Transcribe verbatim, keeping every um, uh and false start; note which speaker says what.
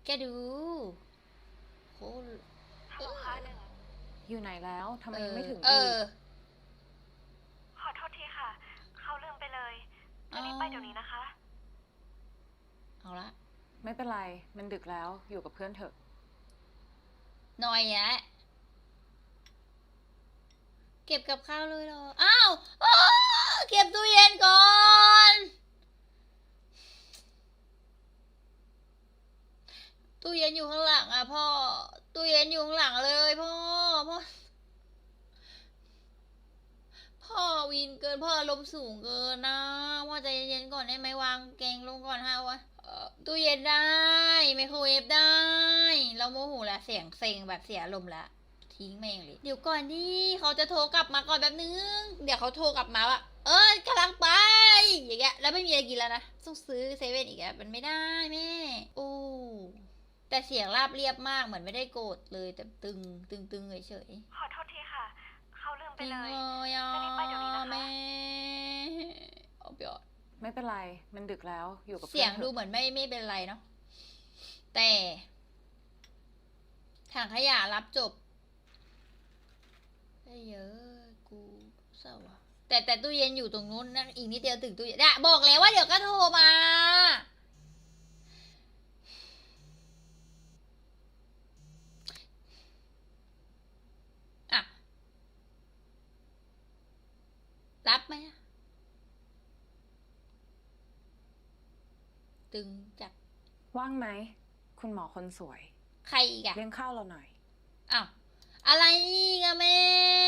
Speaker 1: แกดูโห
Speaker 2: ฮัลโหลค่ะหนึ่ง
Speaker 3: อยู่ไหนแล้วทำไม
Speaker 1: เอ
Speaker 3: ยัง
Speaker 1: อ
Speaker 3: ไม่ถึง
Speaker 1: เอ
Speaker 3: อี
Speaker 1: อ
Speaker 3: ก
Speaker 2: ขอโทษทีค่ะ เขาลืมไปเลย จะรีบไปเดี๋ยวนี้นะคะ
Speaker 1: เอาละ
Speaker 3: ไม่เป็นไรมันดึกแล้วอยู่กับเพื่อนเถอะ
Speaker 1: หน่อยแยะเก็บกับข้าวเลยเหรอ อ้าวอ้าวเก็บตู้เย็นก่อน ตู้เย็นอยู่ข้างหลังอ่ะพ่อ ตู้เย็นอยู่ข้างหลังเลยพ่อ พ่อ พ่อวินเกินพ่ออารมณ์สูงเกินนะพ่อใจเย็นๆก่อนได้ไหมวางแกงลงก่อนฮะวะเอ่อตู้เย็นได้ไมโครเวฟได้ เราโมโหละเสียงเซ็งแบบเสียอารมณ์ละทิ้งแม่งเลยเดี๋ยวก่อนดิเขาจะโทรกลับมาก่อนแป๊บนึงเดี๋ยวเขาโทรกลับมาว่าเออกำลังไปอย่างเงี้ยแล้วไม่มีอะไรกินแล้วนะต้องซื้อเซเว่นอีกแล้วมันไม่ได้แม่โอ้แต่เสียงราบเรียบมากเหมือนไม่ได้โกรธเลยแต่ตึงตึงตึงเฉยๆ
Speaker 2: ขอโทษทีค่ะ เขาลืมไป
Speaker 1: จริง
Speaker 2: เลย
Speaker 1: เลยอ่ะ
Speaker 2: จะรีบไปเดี๋ยวนี้นะคะ
Speaker 1: แม่เอาเปยอด
Speaker 3: ไม่เป็นไรมันดึกแล้วอยู่กับ
Speaker 1: เสี
Speaker 3: เพื่
Speaker 1: ย
Speaker 3: อง นเถ
Speaker 1: ดู
Speaker 3: อะ
Speaker 1: เหมือนไม่ไม่เป็นไรเนาะแต่ถังขยะรับจบได้เยอะกูเศร้าอะแต่แต่ตู้เย็นอยู่ตรงนู้นนะอีกนิดเดียวถึงตู้เย็นอะบอกแล้วว่าเดี๋ยวก็โทรมาอะรับไหมอะตึงจัด
Speaker 3: ว่างไหมคุณหมอคนสวย
Speaker 1: ใครอีกอะ
Speaker 3: เลี้ยงข้าวเราหน่อย
Speaker 1: อ้าวอะไรอีกอะแม่